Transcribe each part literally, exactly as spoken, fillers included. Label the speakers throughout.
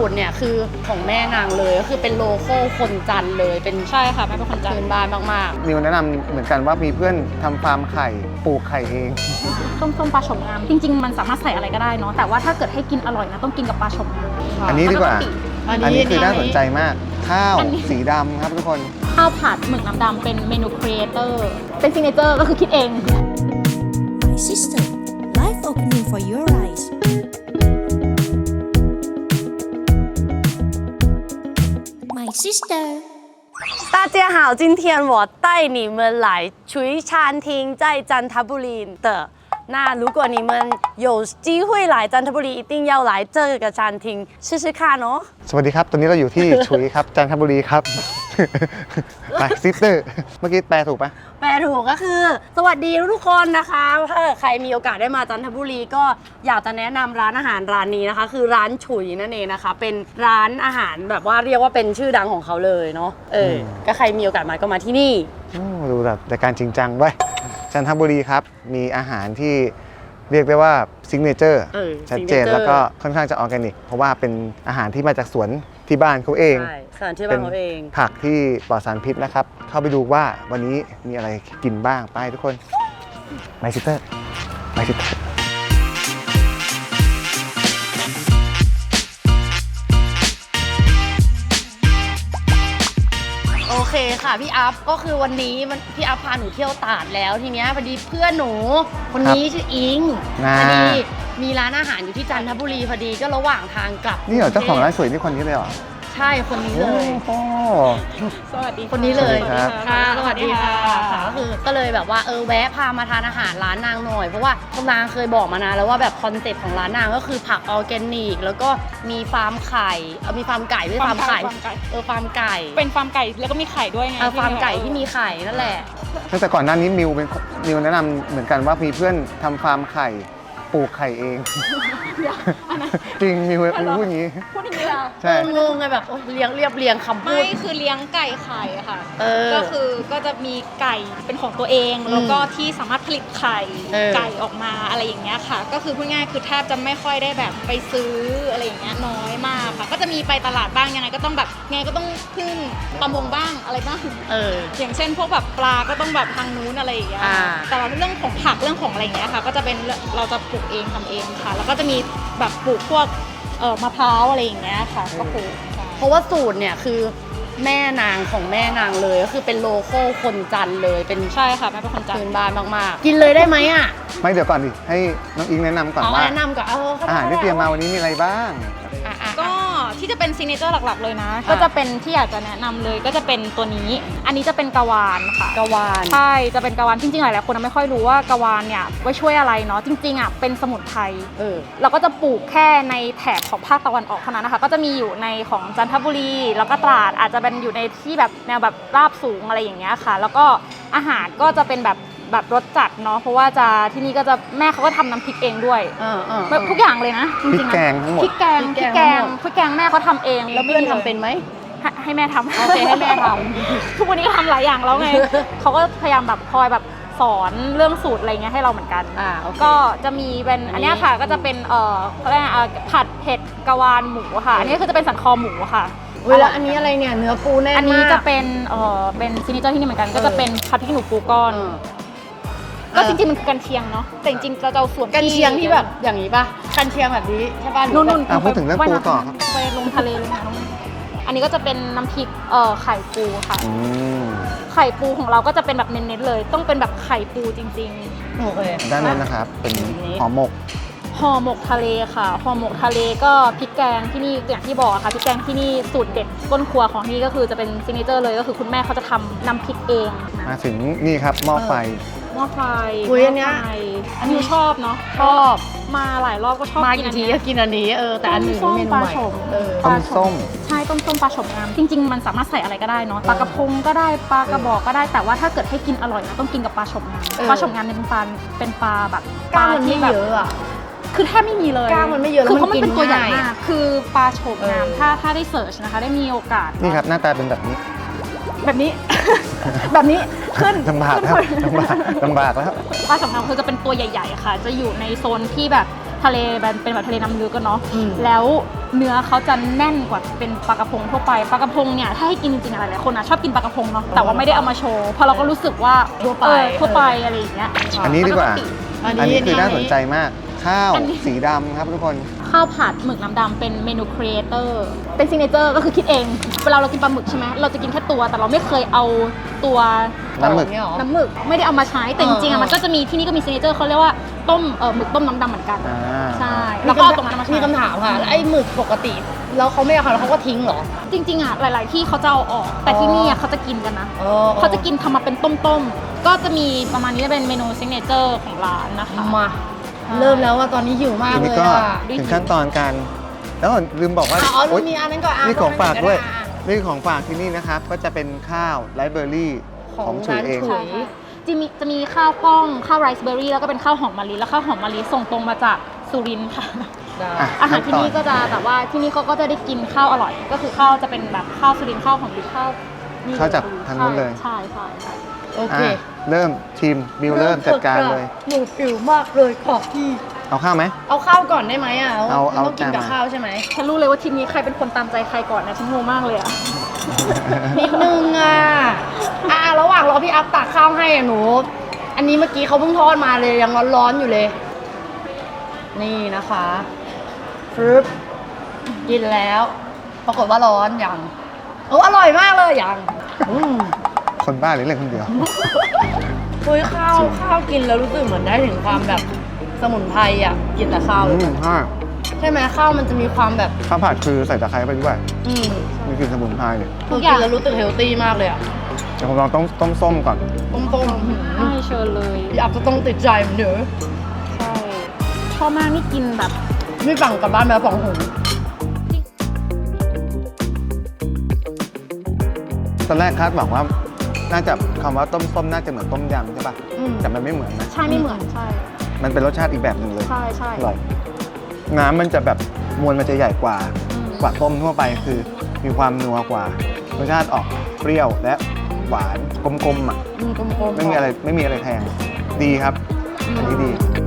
Speaker 1: ตรเนี่ยคือของแม่นางเลยก็คือเป็นโลโก้คนจันทร์เลยเป็น
Speaker 2: ใช่ค่ะแม่เป็นคนจันท
Speaker 1: พื้น
Speaker 2: ร์
Speaker 1: บ้านมาก
Speaker 3: นิวแนะนำเหมือนกันว่ามีเพื่อนทำฟาร์มไข่ปลูกไข่เอง
Speaker 2: ต้มส้มปลาฉมงามจริงๆมันสามารถใส่อะไรก็ได้เนาะแต่ว่าถ้าเกิดให้กินอร่อยนะต้องกินกับปลาฉมงาม
Speaker 3: อันนี้ดีกว่า
Speaker 1: อัน
Speaker 3: อัน
Speaker 1: นี้
Speaker 3: นี้คือน่าสนใจมากข้าว
Speaker 2: อันนี้
Speaker 3: สีดำครับทุกคน
Speaker 2: ข้าวผัดหมึกน้ำดำเป็นเมนูครีเอเตอร์เป็นซิกเนเจอร์ก็คือคิดเอง
Speaker 4: My sister, life opening for your eyes. My sister.
Speaker 1: 大家好，今天我带你们来厨餐厅，在จันทบุรี的。那如果你们有机会来จันทบุรี，一定要来这个餐厅试试看哦。
Speaker 3: สวัสดีครับตอนนี้เราอยู่ที่ ชุยครับจันทบุรีครับ ไปซิสเตอร์เมื่อกี้แปลถูกปะ
Speaker 1: แปลถูกก็คือสวัสดีทุกคนนะคะถ้าใครมีโอกาสได้มาจันทบุรีก็อยากจะแนะนำร้านอาหารร้านนี้นะคะคือร้านฉุยนั่นเองนะคะเป็นร้านอาหารแบบว่าเรียกว่าเป็นชื่อดังของเขาเลยเนาะเออก็ใครมีโอกาสมาก็มาที่นี่
Speaker 3: ดูแบบแต่การจริงจังไว้จันทบุรีครับมีอาหารที่เรียกได้ว่าซิกเนเจอร์ชัดเจนแล้วก็ค่อนข้างจะออร์แกนิกเพราะว่าเป็นอาหารที่มาจากสวนที่บ้านเขาเอง
Speaker 1: ใช่สถานที่บ้านเขาเอง
Speaker 3: ผักที่ปลอดสารพิษนะครับเข้าไปดูว่าวันนี้มีอะไรกินบ้างไปทุกคนไมซิสเตอร์ไมซิสเตอร์
Speaker 1: โอเคค่ะพี่อัพก็คือวันนี้มันพี่อัพพาหนูเที่ยวตราดแล้วทีเนี้ยพอดีเพื่อนหนูคนนี้ชื่ออิงพอดีมีร้านอาหารอยู่ที่จันทบุรีพอดีก็ระหว่างทางกลับ
Speaker 3: นี่เหรอเจ้าของร้านสวยนี่คนนี้เลยเหรอ
Speaker 1: ใช่คนนี้เลย
Speaker 3: โอ้
Speaker 2: สวัสดี
Speaker 1: คนนี้เลย
Speaker 3: สวัสดีครับ
Speaker 1: ค่ะสวัสดีค่ะก็คือก็เลยแบบว่าเออแวะพามาทานอาหารร้านนางหน่อยเพราะว่าคุณนางเคยบอกมานานแล้วว่าแบบคอนเซ็ปต์ของร้านนางก็คือผักออร์แกนิกแล้วก็มีฟาร์มไข่เออมีฟาร์มไก่ด้วยฟาร์มไก่เออฟาร์มไก่
Speaker 2: เป็นฟาร์มไก่แล้วก็มีไข่ด้วยไง
Speaker 1: เออฟาร์มไก่ที่มีไข่นั่นแหละ
Speaker 3: ตั้งแต่ก่อนหน้านี้มิวเป็นมิวแนะนำเหมือนกันว่ามีเพื่อนทำฟาร์มไข่ปลูกไข่เองจริงมิวมิวพูดอย่างนี้
Speaker 2: พูดอย่างนี้เหรอ
Speaker 3: ใช่
Speaker 1: งงไงแบบโอ๊ยเลี้ยงเรียบเรียงคำพู
Speaker 2: ไม่
Speaker 1: ด
Speaker 2: คือเลี้ยงไก่ไข่อะค่ะ
Speaker 1: เออ
Speaker 2: ก็คือก็จะมีไก่เป็นของตัวเอง
Speaker 1: อืม
Speaker 2: แล้วก็ที่สามารถผลิตไข่
Speaker 1: เออ
Speaker 2: ไก่ออกมาอะไรอย่างเงี้ยค่ะ ก็คือพูดง่ายคือแทบจะไม่ค่อยได้แบบไปซื้ออะไรอย่างเงี้ยน้อยมากค่ะ ก็จะมีไปตลาดบ้างยังไงก็ต้องแบบไงก็ต้องพึ่งประมงบ้างอะไรบ้าง
Speaker 1: เออ
Speaker 2: อย่างเช่นพวกแบบปลาก็ต้องแบบทางนู้นอะไรอย่างเงี้ย
Speaker 1: อ่า
Speaker 2: แต่ว่าเรื่องของผักเรื่องของอะไรอย่างเงี้ยค่ะ ก็จะเป็นเราจะปลูกเองทำเองค่ะ แล้วก็จะมีแบบปลูกพวกเอ่อมะพร้าวอะไรอย่างเงี้ยค่ะก็ปลูก
Speaker 1: เพราะว่าสูตรเนี่ยคือแม่นางของแม่นางเลยก็คือเป็นโลโก้คนจันทร์เลยเป็น
Speaker 2: ใช่ค่ะแม่เป็นคนจันท
Speaker 1: พื้น
Speaker 2: ร์
Speaker 1: บ้านมากๆกินเลยได้ไหมอ่ะ
Speaker 3: ไม่เดี๋ยวก่อนดิให้น้องอิงแนะนำก่อน
Speaker 1: เอา
Speaker 3: ว่า
Speaker 1: แนะนำก่อนเออ
Speaker 3: อาหารที่เตรียมมาวันนี้มีอะไรบ้าง
Speaker 1: อ่ะอ่ะ
Speaker 2: ก็ที่จะเป็นซิกเนเจอร์หลักๆเลยนะ ก็จะเป็นที่อยากจะแนะนำเลยก็จะเป็นตัวนี้ อันนี้จะเป็นกะวานค่ะ
Speaker 1: กะวาน
Speaker 2: ใช่จะเป็นกะวานจริงๆหลายๆคนไม่ค่อยรู้ว่ากะวานเนี่ยไว้ช่วยอะไรเนาะจริงๆอ่ะเป็นสมุนไพร
Speaker 1: เออ
Speaker 2: เราก็จะปลูกแค่ในแถบของภาคตะวันออกเท่านั้นนะคะก็จะมีอยู่ในของจันทบุรีแล้วก็ตราดอาจจะเป็นอยู่ในที่แบบแนวแบบราบสูงอะไรอย่างเงี้ยค่ะ แล้วก็อาหารก็จะเป็นแบบแบบรสจัดเนาะเพราะว่าจะที่นี่ก็จะแม่เขาก็ทำน้ำพริกเองด้วย
Speaker 1: เออเออ
Speaker 2: แบบทุกอย่างเลยนะจริงๆ
Speaker 3: พริกแกงทั้งหมด
Speaker 2: พริกแกงพริกแกงพริกแกงแม่เขาทำเอง
Speaker 1: แล้วเพื่อนทำเป็นไหม
Speaker 2: ให้ให้แม่ทำ
Speaker 1: โอเคให้แม่ท
Speaker 2: ทุกวันนี้ก็ทำหลายอย่างแล้วไง เขาก็พยายามแบบคอยแบบสอนเรื่องสูตรอะไรเงี้ยให้เราเหมือนกัน
Speaker 1: อ่าโอเค
Speaker 2: ก็จะมีเป็นอันเนี้ยค่ะก็จะเป็นเอ่อเขาเรียกอะไรอ่ะผัดเผ็ดกะวานหมูค่ะ อันนี้คือจะเป็นสันคอหมูค่ะ
Speaker 1: เวลาอันนี้อะไรเนี่ยเนื้อปูแน่นมาก
Speaker 2: อันนี้จะเป็นเอ่อเป็นซิกเนเจอร์ที่นี่เหมือนกัน ก็จะเป็นผัดพริกหนูปูก้อน
Speaker 1: เออ
Speaker 2: ก็จริงๆมันคือกันเชียงเนาะแต่จริงๆเราจะเอาส่วน
Speaker 1: กันเชียงที่แบบอย่างนี้ป่ะกันเชียงแบบนี้ใช่ป่ะหรือ
Speaker 2: นุ่น
Speaker 1: แบบ
Speaker 2: ๆ
Speaker 3: อ่ะพูดถึงเรื่องปูต่อครับ
Speaker 2: ไปลงทะเลเลยนะน้องอันนี้ก็จะเป็นน้ำพริกเอ่อไข่ปูค่ะ
Speaker 3: อืม
Speaker 2: ไข่ปูของเราก็จะเป็นแบบเน้นๆเลย ต้องเป็นแบบไข่ปูจริง
Speaker 1: โอเค
Speaker 3: ด้านนู้นนะครับเป็นห่อหมก
Speaker 2: ๆห่อหมกทะเลค่ะห่อหมกทะเลก็พริกแกงที่นี่อย่างที่บอกอะค่ะพริกแกงที่นี่สูตรเด็ดก้นครัวของที่นี่ก็คือจะเป็นซิกเนเจอร์เลยก็คือคุณแม่เขาจะทำน้ำพริกเองนะ
Speaker 3: มาถึงนี่ครับหม้อไฟ
Speaker 2: หม้อไฟ
Speaker 1: อุ๊ยอันเนี้ย
Speaker 2: หม้ไฟอันนี้ชอบเนาะ
Speaker 1: ชอบ
Speaker 2: มาหลายรอบก็ชอบ
Speaker 1: มา
Speaker 2: กิน
Speaker 1: กี่
Speaker 2: อัน
Speaker 1: ที
Speaker 2: เนี้
Speaker 1: ก็
Speaker 2: ย
Speaker 1: กินอันนี้เออแต่อันนี้
Speaker 2: ต้ม
Speaker 1: เมนู
Speaker 2: ปลา
Speaker 1: ใหม่
Speaker 2: ฉม
Speaker 1: เออ
Speaker 3: ต้มส้ม
Speaker 2: ใช่ต้มส้มปลาฉมงามจริง ๆ มันสามารถใส่อะไรก็ได้เนาะปลากระพงก็ได้ปลากระบอกก็ได้แต่ว่าถ้าเกิดให้กินอร่อยนะต้องกินกับปลาฉมงาม
Speaker 1: เออ
Speaker 2: ปลาฉมงามเนี่ยเป็นปลาเป็นปลาแบบ
Speaker 1: กล้ามมัน
Speaker 2: ที่
Speaker 1: ไม่
Speaker 2: แบบ
Speaker 1: เยอะอ่ะ
Speaker 2: คือแทบไม่มีเลย
Speaker 1: กล้ามมันไม่เยอะ
Speaker 2: คือ
Speaker 1: แล้ว
Speaker 2: เพราะ
Speaker 1: มั
Speaker 2: มัน น
Speaker 1: กิน
Speaker 2: เป็นตัวใหญ่
Speaker 1: ง่าย
Speaker 2: มากคือปลาโฉมงาม
Speaker 1: เออ
Speaker 2: ถ้าถ้าได้เสิร์ชนะคะได้มีโอกาส
Speaker 3: นี่ครับหน้าตาเป็นแบบนี้
Speaker 2: แบบนี้ แบบนี้ขึ้น
Speaker 3: ลำบากแล้วลำบากลำบากแล้ว
Speaker 2: ปลาโฉมงามคือจะเป็นตัวใหญ่ๆค่ะ จะอยู่ในโซนที่แบบทะเลแบบเป็นแบบทะเลน้ำลึกกันเนาะ
Speaker 1: อืม
Speaker 2: แล้วเนื้อเขาจะแน่นกว่าเป็นปลากระพงทั่วไปปลากระพงเนี่ยถ้าให้กินจริงๆอะไรหลายคนอ่ะชอบกินปลากระพงเนาะแต่ว่าไม่ได้เอามาโชว์เพราะเราก็รู้สึกว่า
Speaker 1: ทั่วไป
Speaker 2: เออทั่วไปอะไรอย่างเงี้ย
Speaker 3: อันนี้ดีกว่า
Speaker 1: อัน
Speaker 3: อัน
Speaker 1: นี้
Speaker 3: นี้คือน่าสนใจมาก ข้าว
Speaker 2: อันนี้
Speaker 3: สีดำครับทุกคน
Speaker 2: ข้าวผัดหมึกน้ำดำเป็นเมนูครีเอเตอร์เป็นซิกเนเจอร์ก็คือคิดเองเวลาเรากินปลาหมึกใช่ไหมเราจะกินแค่ตัวแต่เราไม่เคยเอาตัว
Speaker 3: น้ำหมึก
Speaker 1: เนี่ยเหรอ
Speaker 2: น้ำหมึกไม่ได้เอามาใช้แต่จริงๆ
Speaker 1: เอ
Speaker 2: อ่ะ
Speaker 1: อ
Speaker 2: มันก็จะมีที่นี่ก็มีซิกเนเจอร์เขาเรียกว่าต้มเออหมึกต้มน้ำดำเหมือนกัน
Speaker 3: อ่า
Speaker 2: ใช่แล้วก็เอาตรงนั้นมาใช้
Speaker 1: มีคำถามค่ะแล้วไอ้หมึกปกติ แล้วเขาไม่เอาค่ะแล้วเขาก็ทิ้งเหรอ
Speaker 2: จริงๆอ่ะหลาย ๆ ที่เขาจะเอาออก แต่ที่นี่อ่ะเขาจะกินกันนะ
Speaker 1: อ๋อ
Speaker 2: เขาจะกินทำมาเป็นต้มๆก็จะมีประมาณนี้จะเป็นเมนูซิกเนเจอร์ของร้านนะคะ
Speaker 1: มา เริ่มแล้วว่าตอนนี้หิวมาก
Speaker 3: ที
Speaker 1: เล
Speaker 3: นี้
Speaker 1: ย
Speaker 3: ก็
Speaker 1: อ่ะ
Speaker 3: ถึงขั้นตอนการแล้วลืมบอกว่า
Speaker 1: อ๋อ
Speaker 3: โอ๊ย
Speaker 1: มีอันนั้นก่อนอ่ะ
Speaker 3: นี่ของฝากด้วย
Speaker 1: อ่ะ
Speaker 3: นี่ของฝากที่นี่นะครับ ก็จะเป็นข้าวไรซ์เบอร์รี่
Speaker 1: ข
Speaker 3: ข
Speaker 1: อ
Speaker 3: อง งฉุยเอง
Speaker 1: ร้านฉุ
Speaker 2: ใช่ค่ะจะมีจะมีข้าวกล้องข้าวไรซ์เบอร์รี่แล้วก็เป็นข้าวหอมมะลิแล้วข้าวหอมมะลิส่งตรงมาจากสุรินทร์ค่ะ
Speaker 1: ได้
Speaker 3: อ่ะ
Speaker 2: อาหารที่นี่ก็จะแบบว่าที่นี่เขาก็จะได้กินข้าวอร่อย ก็คือข้าวจะเป็นแบบข้าวสุรินทร์ข้าวหอมมะลิข้าวนี่
Speaker 3: ข้าวจากทางนู้นเลย
Speaker 2: ใช่ใช่ใช่
Speaker 1: โอเค
Speaker 3: อ่ะเริ่มทีมบิวเริ่มจัดการเลย
Speaker 1: หนูหิวมากเลยขอพี่
Speaker 3: เอาข้าวไหม
Speaker 1: เอาข้าวก่อนได้ไหมอ่ะ
Speaker 3: เอา
Speaker 1: มันต้องกินกับ
Speaker 3: เอา
Speaker 1: ข้าวใช่ไหม
Speaker 2: ฉันรู้เลยว่าทีมนี้ใครเป็นคนตามใจใครก่อนนะฉันงงมากเลยอะ
Speaker 1: นิดนึงอ่ะ อ่ะระหว่างรอพี่อัพตักข้าวให้อ่ะหนู อันนี้เมื่อกี้เขาเพิ่งทอดมาเลยยังร้อนๆอยู่เลย นี่นะคะฟรึบกินแล้ว ปรากฏว่าร้อนอย่างโอ้อร่อยมากเลยอย่างอืม
Speaker 3: คนบ้าหรือเล่นคนเดียว
Speaker 1: คุยข้าวข้าวกินแล้วรู้สึกเหมือนได้ถึงความแบบสมุนไพรอ่ะ กินแต่ข้าว
Speaker 3: อืมห้า
Speaker 1: ใช่ไหมข้าวมันจะมีความแบบ
Speaker 3: ข้าวผัดคือใส่ตะไคร้ไปด้วย
Speaker 1: อืม
Speaker 3: มีกลิ่นสมุนไพรเนี่ย
Speaker 1: ทุกอย่างแล้วรู้สึกเฮลตี้มากเลยอ่ะ
Speaker 3: เดี๋ยวผมลองต้มต้มส้มก่อน
Speaker 1: ต้มๆหืม
Speaker 2: ใช่เชิญเลย
Speaker 1: พี่อัพจะต้องติดใจเหมือนเดิม
Speaker 2: ใช่ชอบมากนี่กินแบบ
Speaker 1: ไม่สั่งกลับบ้านมาสองถุง
Speaker 3: ตอนแรกคาดหวังว่า น่าจะคำว่าต้มส้มน่าจะเหมือนต้มยำใช่ปะ
Speaker 1: อืม
Speaker 3: แต่มันไม่เหมือนนะ
Speaker 2: ใช่ไม่เหมือนใช่
Speaker 3: มันเป็นรสชาติอีกแบบหนึ่งเลย
Speaker 2: ใช่ใช่
Speaker 3: อร่อย น้ำมันจะแบบมวลมันจะใหญ่กว่า
Speaker 2: อืม
Speaker 3: กว่าต้มทั่วไปคือมีความนัวกว่า รสชาติออกเปรี้ยวและหวานกลมๆอ่ะ
Speaker 1: อืมกลมๆ
Speaker 3: ไม่มีอะไรไม่มีอะไรแพงดีครับ อันนี้ดี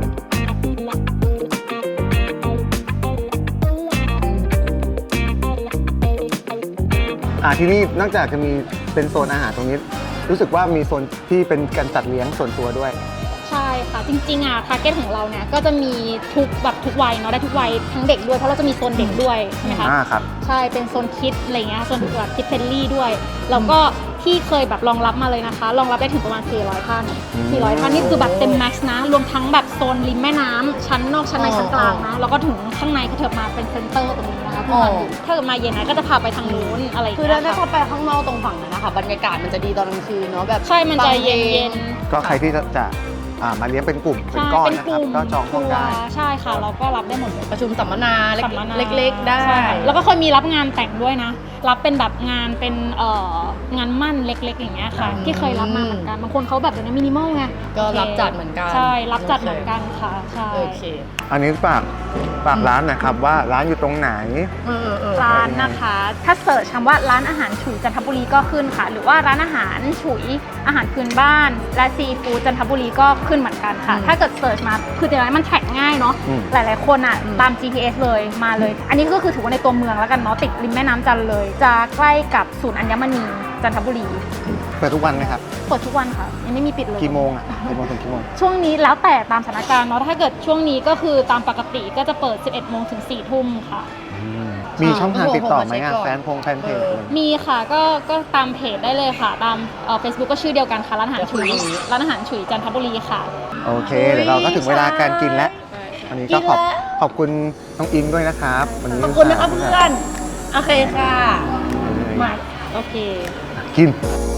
Speaker 3: อ่าที่นี่นอกจากจะมีเป็นโซนอาหารตรงนี้ รู้สึกว่ามีโซนที่เป็นการจัดเลี้ยงส่วนตัวด้วย
Speaker 2: ใช่ค่ะ จริงๆอ่ะทาร์เก็ตของเราเนี่ยก็จะมีทุกแบบทุกวัยเนาะได้ทุกวัยทั้งเด็กด้วยเพราะเราจะมีโซนเด็กด้วยใช่ไหมคะ
Speaker 3: อ่าครับ
Speaker 2: ใช่เป็นโซนคิดอะไรเงี้ยโซนแบบคิดเฟรนลี่ด้วยแล้วก็ที่เคยแบบรองรับมาเลยนะคะรองรับได้ถึงประมาณสี่ร้อยท่าน
Speaker 3: อืม
Speaker 2: สี่ร้อยท่านนี่คือแบบเต็มแม็กซ์นะรวมทั้งแบบโซนริมแม่น้ำชั้นนอกชั้นในชั้นกลางนะแล้วก็ถึงข้างในก็เถิบมาเป็นเซ็นเตอร์ตรงนี้นะคะที่มาอยู่ถ้าเกิดมาเย็นนะก็จะพาไปทางนู้นอะไรอย่าง
Speaker 1: คือ
Speaker 2: เงี้
Speaker 1: ถ้าย ได้
Speaker 2: ค่ะ
Speaker 1: เข้าไปข้างนอกตรงฝั่งนั้นนะคะบรรยากาศมันจะดีตอนกลางคืนเนาะแบบ
Speaker 2: ใช่มันจะเย็นเย็น
Speaker 3: ก็ใครที่จะจะอ่ามาเลี้ยงเป็นกลุ่มเป็น
Speaker 2: ใช่
Speaker 3: ก้อน
Speaker 2: เป็น
Speaker 3: นะ
Speaker 2: ก
Speaker 3: ครับ
Speaker 2: ลุ่ม
Speaker 3: ก็จองห้องได้
Speaker 2: ทัวร์ใช่ค่ะเราก็รับได้หมดเลย
Speaker 1: ประชุมสัมมนาเล็ก
Speaker 2: สัมมนา
Speaker 1: เล็ก ๆ ได้
Speaker 2: ใช่แล้วก็เคยมีรับงานแต่งด้วยนะ รับเป็นแบบงานเป็นเอ่องานมั่นเล็ก ๆ อย่างเงี้ยค่ะ
Speaker 1: อืม
Speaker 2: ที่เคยรับมาเหมือนกันบางคนเขาแบบเดี๋ยวนี้มินิมอลไง
Speaker 1: ก็รับจัดเหมือนกัน
Speaker 2: ใช่รับจัดเหมือนกันค่ะใช่
Speaker 1: โอเค
Speaker 3: อันนี้ฝากฝากร้านหนะครับว่าร้านอยู่ตรงไหน
Speaker 1: เออเออเออ
Speaker 2: ร้านนะคะ ถ้าเสิร์ชคำว่าร้านอาหารฉุยจันทบุรีก็ขึ้นค่ะ หรือว่าร้านอาหารฉุยอาหารพื้นบ้านและซีฟู้ดจันทบุรีก็ขึ้นเหมือนกันค่ะ ถ้าเกิดเสิร์ชมาคือแต่ละมันแท็กง่ายเนาะ
Speaker 3: อืม
Speaker 2: หลาย ๆ คนอ่ะตาม จี พี เอส เลยมาเลย อันนี้ก็คือถือว่าในตัวเมืองแล้วกันเนาะติดริมแม่น้ำจันทร์เลย จะใกล้กับศูนย์อัญมณีจันทบุรี
Speaker 3: เปิดทุกวันไหมครับ
Speaker 2: เปิดทุกวันค่ะยังไม่มีปิดเลย
Speaker 3: กี่โมงอ่ะกี่โมงถึงกี่โมง
Speaker 2: ช่วงนี้แล้วแต่ตามสถานการณ์เนาะถ้าเกิดช่วงนี้ก็คือตามปกติก็จะเปิด สิบเอ็ดโมงถึงสี่ทุ่มค่ะ
Speaker 3: มีช่องทางติดต่อไหมอ่ะแฟนพงแฟนเพจอะไร
Speaker 2: มีค่ะก็ก็ตามเพจได้เลยค่ะ ตามเฟซบุ๊กก็ชื่อเดียวกันค่ะร้านอาหารฉุยร้านอาหารฉุยจันทบุรีค่ะ
Speaker 3: โอเค เดี๋ยวเราก็ถึงเวลาการกินแล้วอันนี้ก็ขอบขอบคุณน้องอิงด้วยนะครับวันนี้
Speaker 1: ขอบคุณนะครับเพื่อน โอเคค่ะ
Speaker 2: มาโอเค
Speaker 3: กิน
Speaker 4: Life